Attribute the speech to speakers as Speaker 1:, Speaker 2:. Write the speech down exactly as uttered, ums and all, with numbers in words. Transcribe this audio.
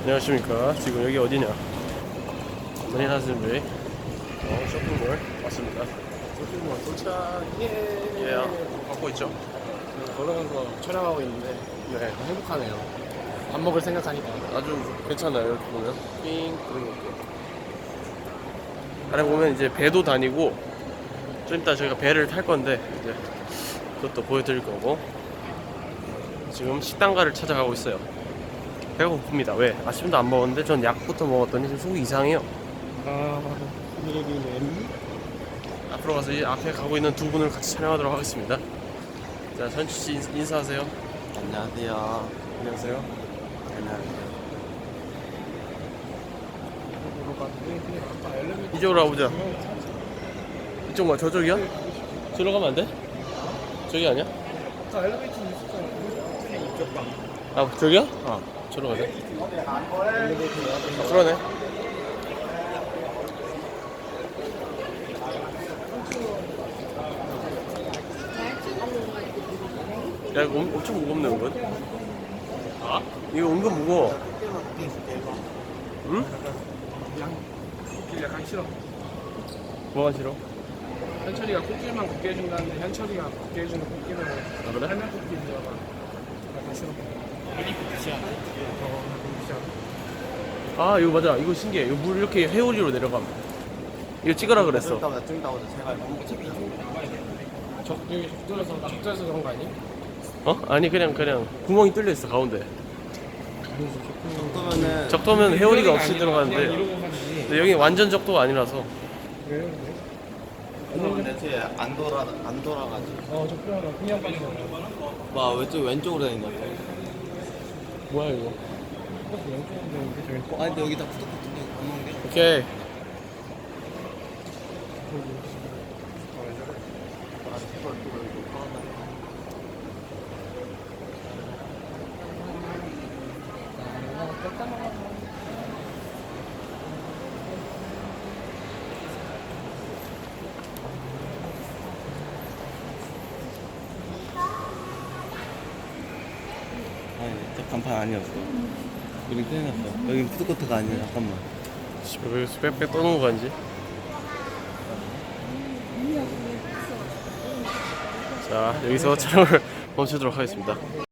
Speaker 1: 안녕하십니까. 지금 여기 어디냐? 머니하즈베이 어, 쇼핑몰 왔습니다.
Speaker 2: 쇼핑몰 도착. 예.
Speaker 1: 예, 받고 있죠?
Speaker 2: 걸어가서 촬영하고 있는데
Speaker 1: 네,
Speaker 2: 행복하네요. 밥 먹을 생각하니까.
Speaker 1: 아주 괜찮아요. 이렇게 보면
Speaker 2: 삥 그리고
Speaker 1: 아래 보면 이제 배도 다니고 좀 이따 저희가 배를 탈 건데 이제 그것도 보여드릴 거고 지금 식당가를 찾아가고 있어요. 배가 고픕니다. 왜? 아침도 안 먹었는데 전 약부터 먹었더니 지금 속이 이상해요.
Speaker 2: 아 여기는
Speaker 1: 앞으로 가서 이 앞에 가고 있는 두 분을 같이 촬영하도록 하겠습니다. 자, 전주씨 인사하세요.
Speaker 3: 안녕하세요.
Speaker 1: 안녕하세요.
Speaker 3: 안녕하세요.
Speaker 1: 이쪽으로 와보자. 이쪽 뭐 저쪽이야? 저기로 가면 안 돼? 저기 아니야?
Speaker 2: 아까 엘리베이터 있었잖아. 이쪽 방.
Speaker 1: 아, 저기야?
Speaker 3: 어.
Speaker 1: 저로 가자.
Speaker 2: 엘리베이터
Speaker 1: 아, 그러네. 야, 이거 엄- 엄청 무겁네, 은근. 아? 이거 은근 무거워. 응?
Speaker 2: 길 약간 싫어.
Speaker 1: 뭐가 싫어?
Speaker 2: 현철이가 코끼리만 걷게 해준다는데 현철이가 걷게 해주는 코끼리는
Speaker 1: 아, 그래?
Speaker 2: 할매 코끼리라고. 약간 싫어. 어디 코끼리야? 어, 코끼리야.
Speaker 1: 아, 이거 맞아. 이거 신기해. 이거 물 이렇게 회오리로 내려가면. 이거 찍으라 그랬어.
Speaker 3: 좀 이따 좀 이따 오자. 제가 너무 찍히죠.
Speaker 2: 적 여기 적절해서 적절해서 그런 거 아니?
Speaker 1: 어? 아니, 그냥, 그냥 구멍이 뚫려 있어, 가운데.
Speaker 3: 정도면은
Speaker 1: 적도면 회오리가 없이
Speaker 2: 그냥
Speaker 1: 들어가는데.
Speaker 2: 이러고 가지.
Speaker 1: 근데 여기 완전 적도가 아니라서.
Speaker 2: 왜 그래?
Speaker 3: 정도면 제 안 돌아 안 돌아가지.
Speaker 2: 어, 적절하다. 그냥 빠져.
Speaker 3: 와 왼쪽 왼쪽으로 다닌다.
Speaker 1: 뭐야, 이거?
Speaker 2: 왼쪽으로 되는데 저기.
Speaker 3: 어, 아니 근데 여기 다 푸석푸석해 구멍 게.
Speaker 1: 오케이.
Speaker 3: 아니 저 간판 아니었어. 여기 떼놨어. 여긴 푸드코트가 아니야. 잠깐만.
Speaker 1: 씨발, 왜 여기서 빽빽 떠는 거 간지? 자, 여기서 촬영을 멈추도록 하겠습니다.